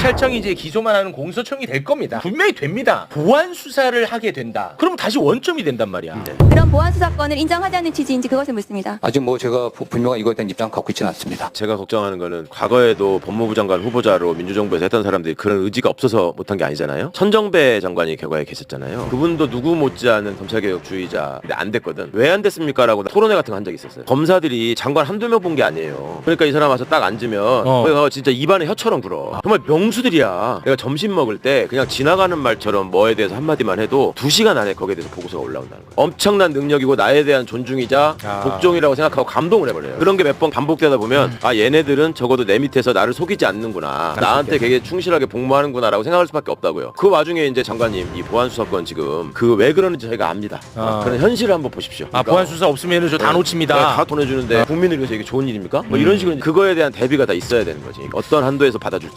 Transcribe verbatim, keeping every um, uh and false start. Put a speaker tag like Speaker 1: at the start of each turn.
Speaker 1: 경찰청이 이제 기소만 하는 공소청이 될 겁니다. 분명히 됩니다. 보안 수사를 하게 된다. 그럼 다시 원점이 된단 말이야. 네.
Speaker 2: 그런 보안 수사권을 인정하자는 취지인지 그것을 묻습니다.
Speaker 3: 아직 뭐 제가 분명한 이거에 대한 입장 갖고 있지는 않습니다.
Speaker 4: 제가 걱정하는 거는 과거에도 법무부 장관 후보자로 민주정부에서 했던 사람들이 그런 의지가 없어서 못한 게 아니잖아요. 천정배 장관이 결과에 계셨잖아요. 그분도 누구 못지않은 검찰개혁주의자. 근데 안 됐거든. 왜 안 됐습니까? 라고 토론회 같은 거 한 적이 있었어요. 검사들이 장관 한두 명 본 게 아니에요. 그러니까 이 사람 와서 딱 앉으면
Speaker 1: 어.
Speaker 4: 거기 가서 진짜 입안에 혀처럼 굴어. 정말 명수들이야. 내가 점심 먹을 때 그냥 지나가는 말처럼 뭐에 대해서 한마디만 해도 두 시간 안에 거기에 대해서 보고서가 올라온다는 거야. 엄청난 능력이고 나에 대한 존중이자
Speaker 1: 아.
Speaker 4: 복종이라고 생각하고 감동을 해버려요. 그런 게 몇 번 반복되다 보면 음. 아 얘네들은 적어도 내 밑에서 나를 속이지 않는구나. 나한테 되게 충실하게 복무하는구나 라고 생각할 수밖에 없다고요. 그 와중에 이제 장관님 이 보안수사권 지금 그 왜 그러는지 저희가 압니다.
Speaker 1: 아.
Speaker 4: 그런 현실을 한번 보십시오.
Speaker 1: 아,
Speaker 4: 그러니까
Speaker 1: 보안 수사 없으면 저 다
Speaker 4: 네.
Speaker 1: 놓칩니다.
Speaker 4: 네, 다 보내주는데 국민을 위해서 이게 좋은 일입니까? 뭐 이런 식으로 그거에 대한 대비가 다 있어야 되는 거지. 어떤 한도에서 받아줄지.